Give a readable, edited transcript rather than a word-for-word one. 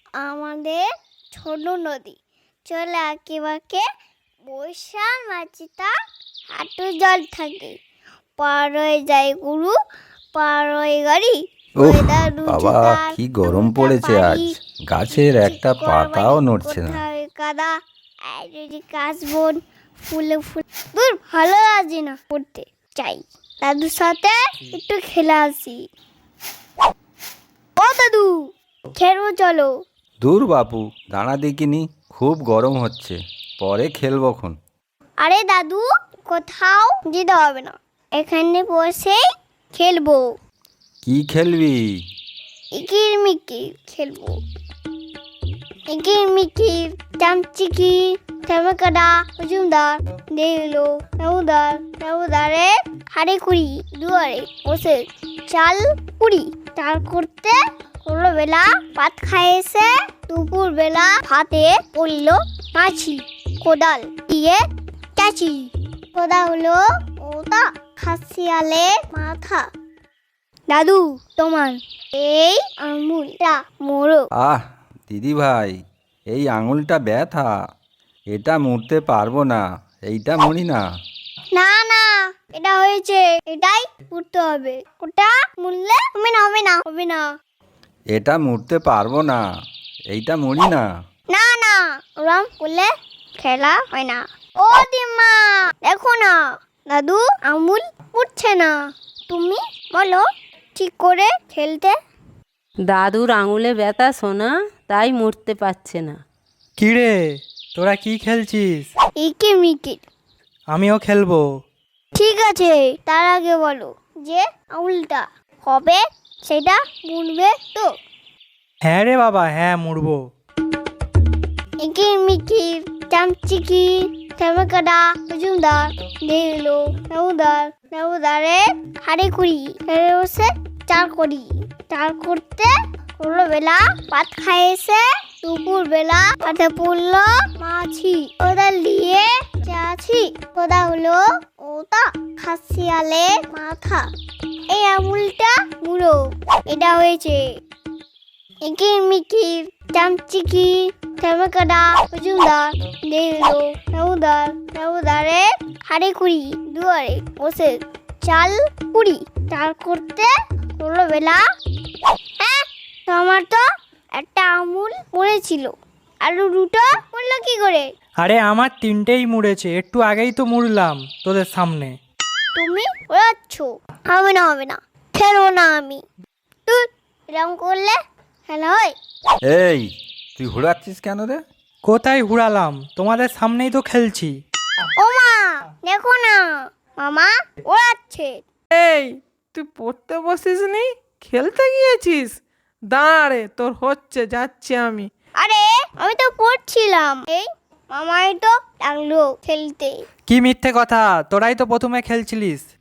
আমাদের ছোট নদী চলে আঁকে বৈশাখ মাঝিটা হাঁটু জল থাকে, পার হয়ে যায় গরু, পার হয়ে গাড়ি। ওহ বাবা, কি গরম পড়েছে আজ, গাছের একটা পাতাও নড়ছে না। কাদা আর যদি কাশবন ফুলে ফুল দূর ভালো লাগে না, পড়তে চাই দাদুর সাথে একটু খেলে আসি। ও দাদু, খেলবো চলো। দূর বাপু, দাঁড়া দেখিনি, খুব গরম হচ্ছে, পরে খেলবখন। আরে দাদু, কোথাও যেতে হবে না, এখানে বসে খেলবো। কি খেলবি? ইকির মিকির খেলবো। ইকির মিকির, চামচিকি, চামকাদা, মজুমদার, দেখলো নবুদারে হাড়ে কুড়ি দুয়ারে বসে চাল কুড়ি। চাল করতে হলো বেলা, ভাত খাইয়েছে দুপুর বেলা, ভাতে পড়লো মাছি, কোদাল দিয়ে চাচি। কোদা হলো ওটা খাসিয়ালে মাথা। দাদু, তোমার এই আঙুলটা মোড়ো। আহ দিদি ভাই, এই আঙুলটা ব্যথা, এটা মুড়তে পারবো না, এইটা মুড়ি না। না না, এটা হয়েছে, এটাই করতে হবে। ওটা মুড়লে হবে না। এটা মুড়তে পারবো না, এইটা মুড়ি না। না না, ওরম করলে খেলা হয় না। ও দিমা, দেখো না দাদু আঙুল উঠছে না, তুমি বলো ঠিক করে খেলতে। দাদুর আঙুলে ব্যথা সোনা, তাই মরতে পারছে না। কিরে, তোরা কি খেলছিস? ইকি মিকির। আমিও খেলবো। ঠিক আছে, তার আগে বলো যে আঙুলটা হবে সেটা মুড়বে তো। হ্যাঁ রে বাবা, হ্যাঁ মুড়বো। ইকির মিকির, চামচিকি, চামকাদা, মজুমদার, দেখলো নবুদারে হাড়ে কুড়ি, হেড়ে বসে চাল করি। চাল করতে হলো বেলা, ভাত খাইয়েছে দুপুর বেলা, হাতে পড়লো মাছি, কোদাল দিয়ে চাচি। কোদা হলো ওটা খাসিয়ালে মাথা। এই আঙুলটা মুড়ো, এটা হয়েছে। ইকির মিকির, চামচিকি, চামকাদা, মজুমদার, দেখলো নবুদারে হাড়ে কুড়ি দুয়ারে বসে চাল কুড়ি। চাল করতে হলো বেলা, হ্যাঁ তোমার তো একটা আঙুল মরেছিল, আর দুটো মরলো কি করে? আরে আমার তিনটেই মুড়েছে, একটু আগেই তো মুড়লাম তোদের সামনে। তুমি ওড়াচ্ছ। হবে না, খেলবো না আমি। তুই এরকম করলে খেলা হয়? এই, তুই হুড়াচ্ছিস কেন রে? কোথায় হুড়ালাম, তোমাদের সামনেই তো খেলছি। ও মা, দেখো না মামা ওড়াচ্ছে। এই, তুই পড়তে বসিস নি, খেলতে গিয়েছিস? দাঁড়া রে, তোর হচ্ছে, যাচ্ছি আমি। আরে আমি তো পড়ছিলাম, এই মামাই তো লাগলো খেলতে। কি মিথ্যে কথা, তোরাই তো প্রথমে খেলছিলিস।